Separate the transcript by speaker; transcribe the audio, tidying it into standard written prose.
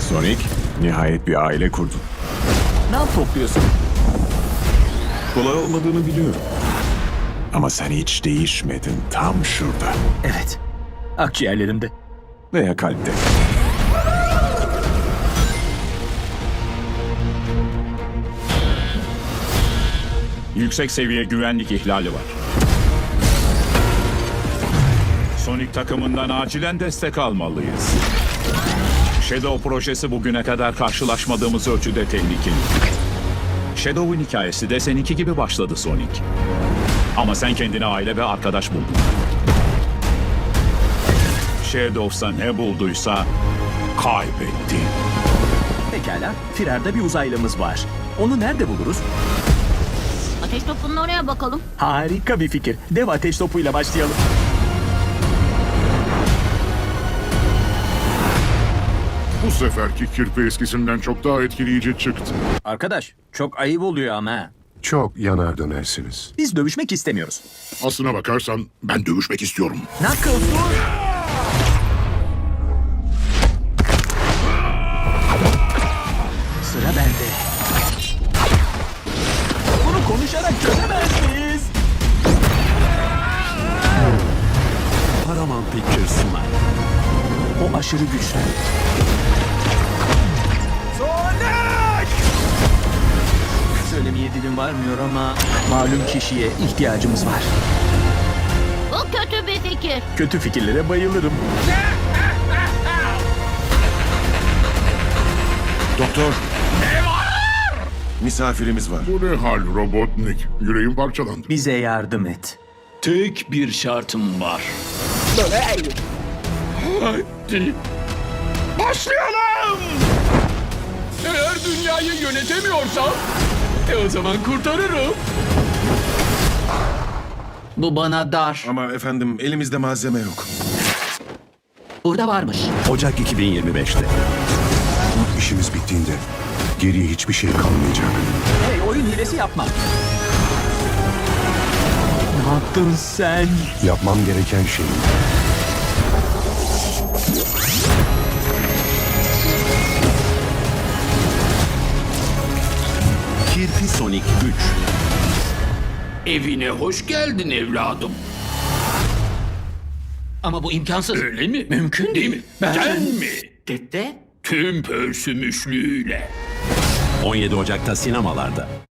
Speaker 1: Sonic, nihayet bir aile kurdun.
Speaker 2: Ne topluyorsun?
Speaker 1: Kolay olmadığını biliyorum. Ama sen hiç değişmedin, tam şurada.
Speaker 2: Evet. Akciğerlerimde.
Speaker 1: Veya kalpte.
Speaker 3: Yüksek seviye güvenlik ihlali var. Sonic takımından acilen destek almalıyız. Shadow projesi bugüne kadar karşılaşmadığımız ölçüde tehlikeli. Shadow'un hikayesi de seninki gibi başladı Sonic. Ama sen kendine aile ve arkadaş buldun. Shadow'sa ne bulduysa kaybetti.
Speaker 2: Pekala. Firarda bir uzaylımız var. Onu nerede buluruz?
Speaker 4: Ateş topunun oraya bakalım.
Speaker 2: Harika bir fikir. Dev ateş topuyla başlayalım.
Speaker 5: Bu seferki kirpi eskisinden çok daha etkileyici çıktı.
Speaker 2: Arkadaş, çok ayıp oluyor ama.
Speaker 6: Çok yanar dönersiniz.
Speaker 2: Biz dövüşmek istemiyoruz.
Speaker 5: Aslına bakarsan ben dövüşmek istiyorum.
Speaker 2: Knuckles dur! Sıra bende. Bunu konuşarak çözemez miyiz?
Speaker 1: Paramount Pictures sunar.
Speaker 2: O aşırı güçlü. Sonic! Söylemeye dilim varmıyor ama malum kişiye ihtiyacımız var.
Speaker 4: Bu kötü bir fikir.
Speaker 2: Kötü fikirlere bayılırım.
Speaker 6: Doktor. Misafirimiz var.
Speaker 5: Bu ne hal Robotnik? Yüreğim parçalandı.
Speaker 2: Bize yardım et.
Speaker 7: Tek bir şartım var. Hadi. Başlayalım! Eğer dünyayı yönetemiyorsam, o zaman kurtarırım. Bu bana dar.
Speaker 6: Ama efendim elimizde malzeme yok.
Speaker 7: Burada varmış.
Speaker 1: Ocak 2025'te.
Speaker 6: İşimiz bittiğinde geriye hiçbir şey kalmayacak.
Speaker 2: Hey, oyun hilesi yapma. Ne yaptın sen?
Speaker 6: Yapmam gereken şey
Speaker 1: Kirpi Sonic 3.
Speaker 7: Evine hoş geldin evladım. Ama bu imkansız. Öyle mi? Mümkün değil mi? Sen mi? Dede? Tüm pörsümüşlüğüyle.
Speaker 1: 17 Ocak'ta sinemalarda.